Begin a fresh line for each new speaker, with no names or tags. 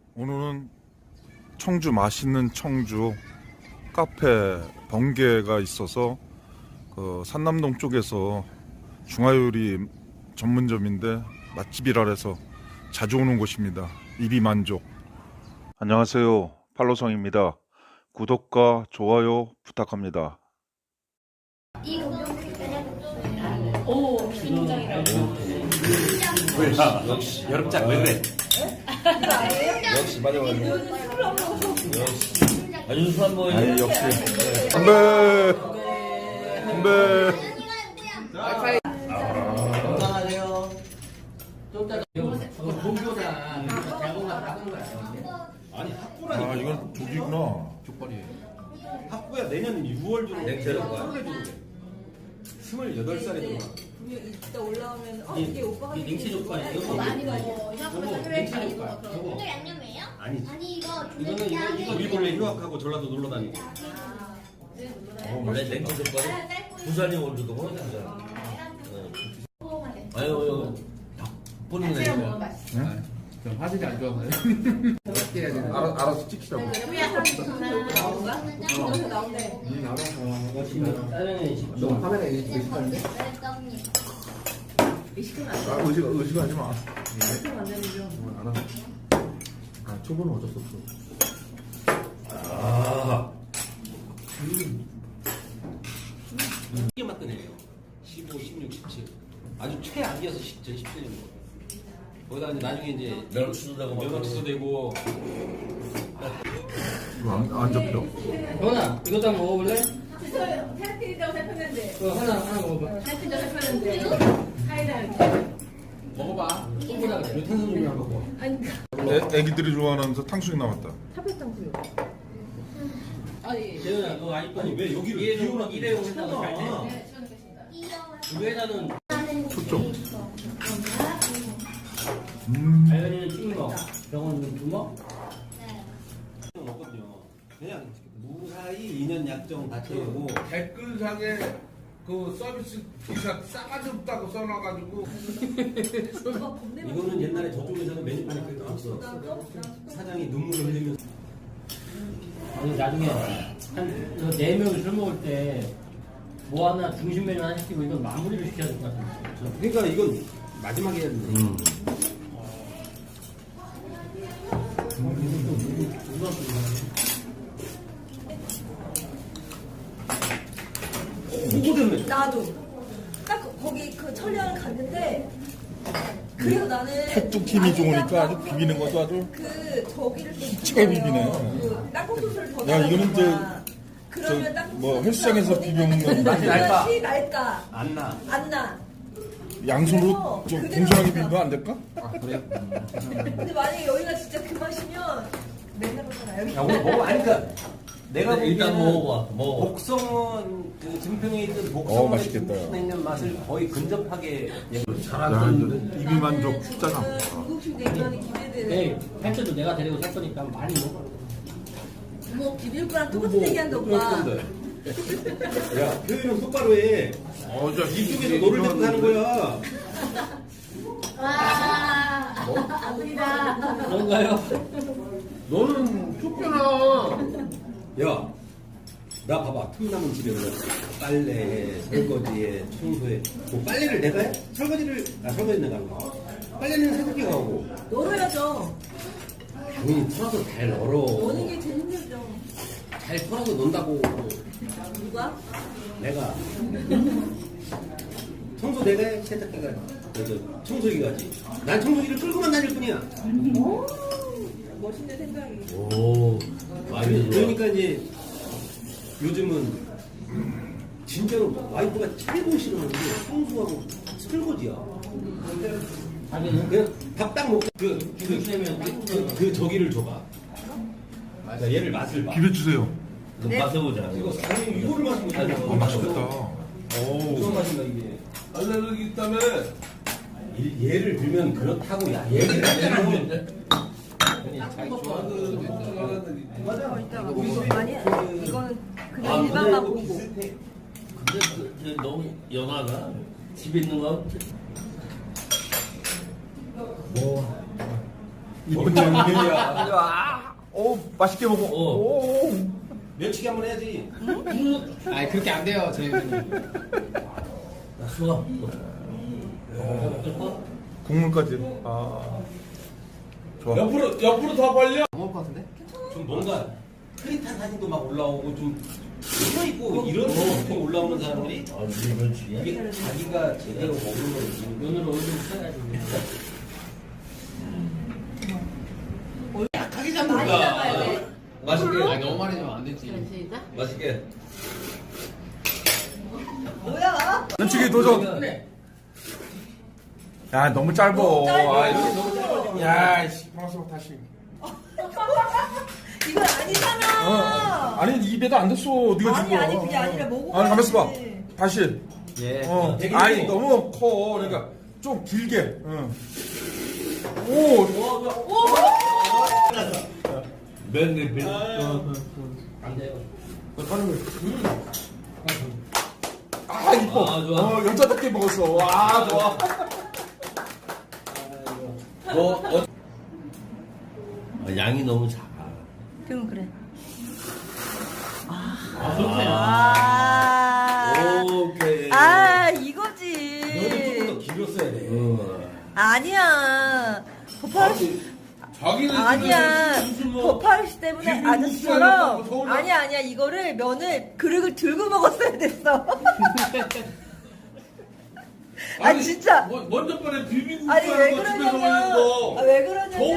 오늘은 청주 맛있는 청주 카페 번개가 있어서 그 산남동 쪽에서 중화요리 전문점인데 맛집이라 해서 자주 오는 곳입니다. 입이 만족. 안녕하세요, 팔로성입니다. 구독과 좋아요 부탁합니다.
오, 신장이라고.
역시 여름장 왜 그래? 역시 맞아. 아주 술안 먹어요.
아니 역시 건배 건배.
건강하세요. 좀 이따가 종교다. 자고가 닦은 거야. 아니 학부라니까.
아 이건 조기구나.
족발이에요. 학부야 내년 6월 중에 냉채로 거야. 28살에 들어와.
이따 올라오면 이게 오빠가
이 냉채 족발이에요.
많이 가지고
냉채 족발.
이거 양념이에요?
아니.
아니 이거
이거 우리 원래 휴학하고 전라도 놀러 다니고. 원래 냉채 족발이 부산이 올주도 보는 거잖아. 아유 보는 거 아니야.
저 화질이 안 좋아서요. 어떻게 해야 되나?
알아서 찍히라고.
나온대.
너 화면에 의식하는데?
의식하지 마.
알아. 아, 초보는 어쩔 수 없어.
아. 이게 맞던 애예요. 15, 16, 17. 아주 최악이어서 10전 10전 정도. 거기다 이제 나중에 이제 면허 취소되고.
이거 안 잡혀.
현아, 이것도 한번 먹어볼래?
살필이라고 살폈는데.
하나 먹어봐.
살필이라고 살폈는데. 사이다 이렇게.
먹어봐. 소보다 탄수음료 먹어.
아니
애기들이 좋아하는 탕수육 나왔다.
탑했던 구요. 아니.
재현아, 너 아직도
아니, 왜 여기를
일회용
비우나
한다고 잘 돼?
네, 시원하겠습니다.
그 회사는
초점.
알간이는 찍먹, 병원은 두먹.
먹거든요. 그냥 무사히 2년 약정 다 채우고.
댓글상에 그 서비스 기사 싸가지 없다고 써놔가지고.
이거는 옛날에 저쪽에서는 메뉴판에 그렇게 나왔어. 사장이 눈물을 흘리면서.
아니 나중에 한 4명이 술 먹을 때 뭐 하나 중심 메뉴 하나 시키고 이건 마무리를 시켜야 될 것 같은데.
그러니까 이건 마지막에 해야 되는데. 그거 때문에.
나도 딱 거기 그 천리안 갔는데. 그리고 나는
팥죽 힘이 좋으니까 아주 비비는 것도 아주.
그 저기를 또
기가 비비네.
그 땅콩 소스를 더
야, 이거는
넣어야 그러면
저
땅콩
뭐
소스가
헬스장에서
거기가
비벼 먹는
맛이
날까?
날까?
안 나.
안 나.
양손으로 좀
그대로
공손하게
먹자.
비비면 안 될까?
아, 그래?
근데 만약에 여기가 진짜 그 맛이면 맨날 그러잖아. 여기.
야, 오늘 먹어. 아니, 그니까, 내가
일단
보기에는
먹어봐. 먹어.
복성은, 그 증평에 있던 복성의
맛있겠다.
있는 맛을 거의 근접하게.
야, 입이 만족 식자장.
중국식 냉면이 기대되네.
네, 팬츠도 내가 데리고 살 거니까 많이 먹어.
뭐 비빌 거랑 똑같은 얘기한다 오빠.
야, 표현은 똑바로 해. 이쪽에서 너를 데리고 가는 거야.
아들이다.
그런가요?
너는 쫓겨나.
야, 나 봐봐. 틈남은 집에 그래. 빨래에, 설거지에, 청소에. 뭐 빨래를 내가 해? 설거지는 내가 하는 거야. 빨래는 새벽에 가고.
널어야죠.
당연히 털어서 잘 널어.
노는 게 제일 힘들죠.
잘 털어서 논다고.
누가?
내가. 청소 내가 해? 세탁기가 해? 청소기가 하지. 난 청소기를 끌고만 다닐 뿐이야.
오, 멋있는 생각이.
오, 그러니까 이제 요즘은 진짜로 와이프가 최고 싫어하는 게 청소하고 설거지야.
자기는
그냥 밥 딱 먹고
중심되면
그 저기를 줘봐. 그러니까 얘를 맛을 봐.
비벼주세요.
맛해보자. 이거 아니 이거를 마시면 되잖아.
맛있겠다.
무슨 맛인가 이게?
알레르기 있다며.
얘를 들면 그렇다고 야 얘를 들면
자기 좋아하는 걱정하는
맞아.
이따가 많이 해. 이거는 그냥 일반 맛 보고.
비슷해.
근데 너무 연하가 집에 있는 거
뭐 이번 양면이야.
오, 맛있게 먹어. 오.
면치기 한번 해야지.
아니 그렇게 안 돼요 저희는.
나 수아.
국물까지. 아. 좋아.
옆으로 더 벌려.
안 먹을 것 같은데?
좀 뭔가 흐릿한 사진도 막 올라오고 좀 서 있고 이런 거 올라오는 사람들이
아, 이게 면치기야?
이게 자기가 제대로 먹는 걸
눈으로 얼굴 쳐가지고.
약하게
많이 잡아야 돼.
맛있게.
아니 너무 많이 주면 안 되지.
맛있게.
뭐야?
면치기 도전.
그래.
야, 너무 짧어.
너무 짧아.
아, 이렇게 너무 짧아. 야, 씨, 방송 다시.
이건 아니잖아.
아니, 입에도 안 됐어. 네가
아니,
준 거.
아니, 그게 아니라 먹어야지.
아니, 가만있어 봐. 다시.
예.
어. 아니, 너무 커. 그러니까 좀 길게. 응. 오.
맨날
안 돼요.
아, 이뻐.
아, 좋아.
여자답게 먹었어. 와, 좋아.
양이 너무 작아.
그럼 그래.
아, 그렇구나.
아,
오케이.
아
너도 조금
이거지.
더 길었어야 돼.
아니야. 버파르시
자기는
아니야.
무슨 뭐
버파르시 때문에
비빔국수
아저씨처럼
해갖고 서운해.
아니야 이거를 면을 그릇을 들고 먹었어야 됐어. 아 진짜.
먼저 번에 비빔국수
아니 왜
하는 거 집에서 먹는
그러냐면
거.
왜 그러냐면